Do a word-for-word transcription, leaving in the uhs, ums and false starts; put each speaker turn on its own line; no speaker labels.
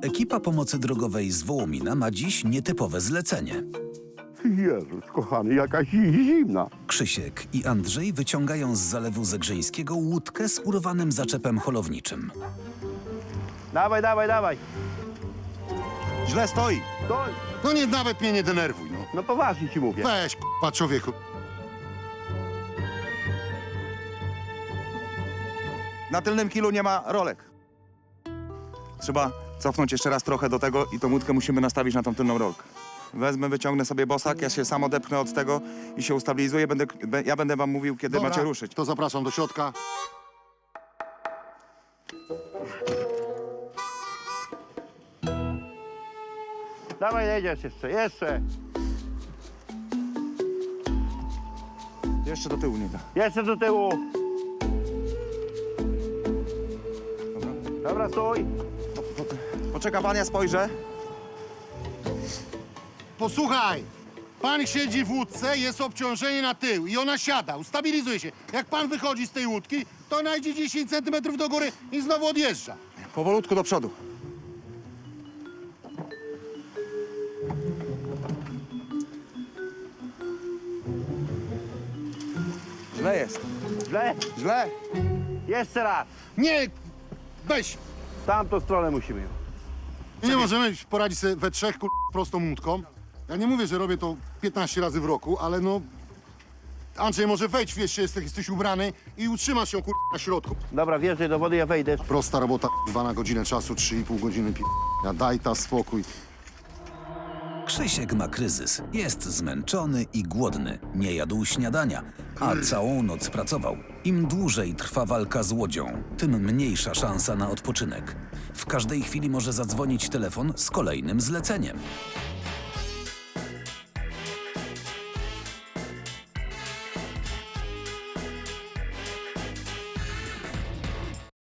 Ekipa pomocy drogowej z Wołomina ma dziś nietypowe zlecenie.
Jezus, kochany, jakaś zimna.
Krzysiek i Andrzej wyciągają z zalewu zegrzeńskiego łódkę z urwanym zaczepem holowniczym.
Dawaj, dawaj, dawaj.
Źle stoi.
Stój.
No nie, nawet mnie nie denerwuj, no.
No poważnie ci mówię.
Weź, k***a, człowieku.
Na tylnym kilu nie ma rolek. Trzeba cofnąć jeszcze raz trochę do tego i tą łódkę musimy nastawić na tą tylną rolkę. Wezmę, wyciągnę sobie bosak, ja się sam odepchnę od tego i się ustabilizuję. Będę, be- ja będę wam mówił, kiedy
Dobra,
macie ruszyć.
to zapraszam do środka.
Dawaj, jedziesz jeszcze, jeszcze.
Jeszcze do tyłu nie da.
Jeszcze do tyłu.
Dobra.
Dobra, stój.
Poczeka pan, ja spojrzę.
Posłuchaj, pan siedzi w łódce, jest obciążenie na tył i ona siada, ustabilizuje się. Jak pan wychodzi z tej łódki, to ona idzie dziesięć centymetrów do góry i znowu odjeżdża.
Powolutku do przodu. Źle jest.
Źle.
Źle.
Jeszcze raz.
Nie, weź.
W tamtą stronę musimy.
Nie możemy poradzić sobie we trzech kur... prostą łódką. Ja nie mówię, że robię to piętnaście razy w roku, ale no... Andrzej, może wejdź, wiesz, jesteś, jesteś ubrany i utrzymasz się kur... na środku.
Dobra, wjeżdżaj do wody, ja wejdę.
Prosta robota, dwa na godzinę czasu, trzy i pół godziny pi... Ja daj ta spokój.
Krzysiek ma kryzys. Jest zmęczony i głodny. Nie jadł śniadania, a całą noc pracował. Im dłużej trwa walka z łodzią, tym mniejsza szansa na odpoczynek. W każdej chwili może zadzwonić telefon z kolejnym zleceniem.